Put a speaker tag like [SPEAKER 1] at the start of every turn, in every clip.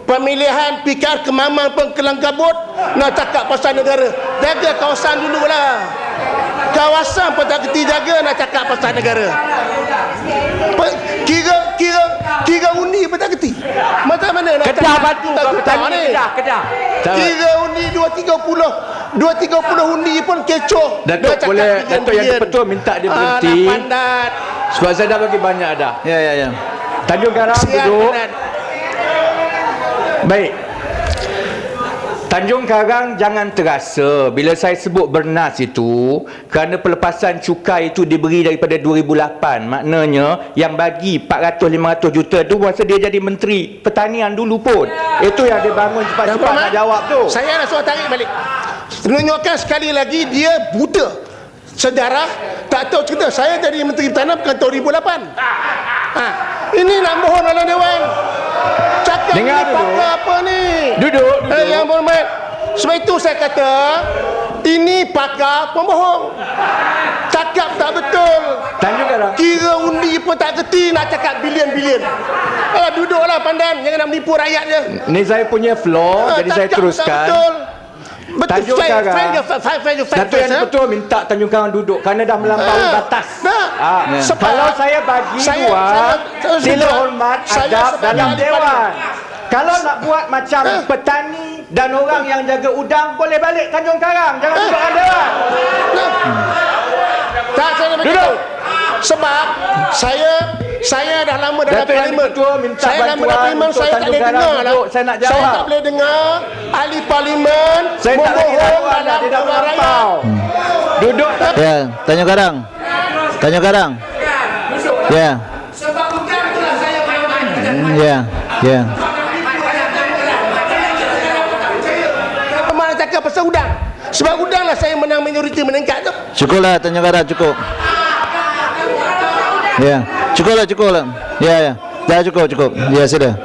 [SPEAKER 1] pemilihan pikar kemamang pengkelang kabut nak cakap pasal negara. Jaga kawasan dululah. Kawasan pun tak kerti jaga nak cakap pasal negara. Kira undi pun tak kerti. Macam mana nak
[SPEAKER 2] Kedah batu kau petani
[SPEAKER 1] ni?
[SPEAKER 2] Kedah.
[SPEAKER 1] Kira undi 230 undi pun kecoh.
[SPEAKER 2] Datuk boleh, Datuk yang ketua minta dia berhenti.
[SPEAKER 1] Pandat.
[SPEAKER 2] Sebab saya dah bagi banyak dah.
[SPEAKER 3] Ya.
[SPEAKER 2] Tanjung Karang duduk. Baik. Tanjung Karang jangan terasa bila saya sebut bernas itu kerana pelepasan cukai itu diberi daripada 2008. Maknanya yang bagi 400-500 juta tu masa dia jadi Menteri Pertanian dulu pun. Itu yang dia bangun cepat-cepat nak jawab tu.
[SPEAKER 1] Saya nak suruh tarik balik. Menunjukkan sekali lagi dia buta. Sejarah tak tahu cerita. Saya jadi Menteri Pertanian bukan tahun 2008. Ini nak bohong dalam Dewan. Cakap
[SPEAKER 2] dengar
[SPEAKER 1] ni pakar apa ni?
[SPEAKER 2] Duduk.
[SPEAKER 1] Yang berhormat. Sebab itu saya kata ini pakar pembohong. Cakap tak betul.
[SPEAKER 2] Tanjung Karang.
[SPEAKER 1] Kira undi pun tak kerti nak cakap bilion-bilion. Duduklah pandan. Jangan nak menipu rakyat je.
[SPEAKER 2] Ni saya punya floor, jadi saya teruskan. Tanjung Karang. Datuk yang Ketua minta Tanjung Karang duduk kerana dah melampaui batas. Kalau saya bagi ruang, sila hormat adab dalam Dewan. Kalau nak buat macam petani dan orang yang jaga udang, boleh balik Tanjung Karang. Jangan duduk dalam Dewan.
[SPEAKER 1] Tak, saya nak beritahu. Sebab saya dah lama dalam parlimen. Saya lama dalam parlimen, saya tak boleh dengar lah.
[SPEAKER 2] Saya nak jawab.
[SPEAKER 1] Saya tak boleh dengar ahli parlimen membohong dalam orang rakyat.
[SPEAKER 2] Duduk.
[SPEAKER 3] Ya, Tanjung Karang. Ya.
[SPEAKER 1] Sebab bukan itulah saya berhormat.
[SPEAKER 3] Ya.
[SPEAKER 1] Mana cakap pasal udang. Sebab udang lah saya menang majoriti meningkat tu.
[SPEAKER 3] Cukuplah Tanjung Karang, cukup. Ya. Cukuplah. Ya. Dah cukup. Ya, sudah.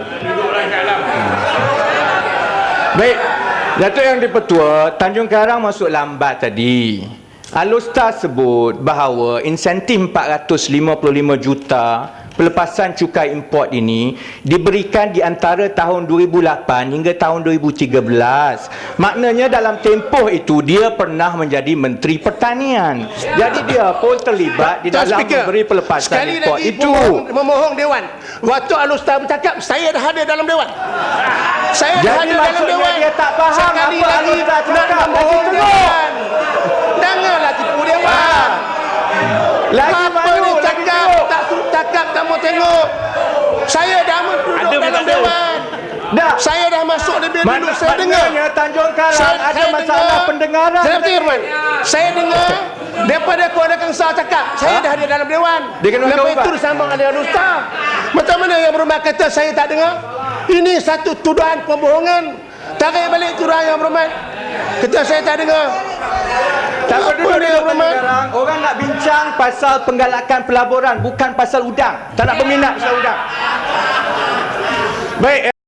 [SPEAKER 2] Baik. Datuk yang di-Pertua, Tanjung Karang masuk lambat tadi. Alustar sebut bahawa insentif 455 juta pelepasan cukai import ini diberikan di antara tahun 2008 hingga tahun 2013. Maknanya dalam tempoh itu dia pernah menjadi Menteri Pertanian. Jadi dia pun terlibat di dalam memberi pelepasan import itu.
[SPEAKER 1] Memohong Dewan. Waktu Alustar bercakap, saya dah hadir dalam Dewan. Saya dah
[SPEAKER 2] Jadi
[SPEAKER 1] hadir dalam Dewan.
[SPEAKER 2] dia tak faham
[SPEAKER 1] sekali
[SPEAKER 2] apa
[SPEAKER 1] lagi
[SPEAKER 2] Alustar
[SPEAKER 1] nak
[SPEAKER 2] cakap.
[SPEAKER 1] memohong Dewan. Janganlah tipu Dewan. Apa ni cakap tak mau tengok. Saya dah duduk dalam Dewan. Saya dah masuk lebih dulu. Saya dengar
[SPEAKER 2] Tanjung Karang ada masalah pendengaran.
[SPEAKER 1] Saya dengar daripada Kuala Kangsar cakap saya dah ada dalam Dewan. Lepas itu disambung oleh Alustar. Macam mana yang berhormat kata saya tak dengar? Ini satu tuduhan pembohongan. Tarik balik tuduhan yang berhormat. Kata saya tak dengar.
[SPEAKER 2] Tak perlu orang nak bincang pasal penggalakan pelaburan, bukan pasal udang. Tak nak berminat pasal udang. Baik.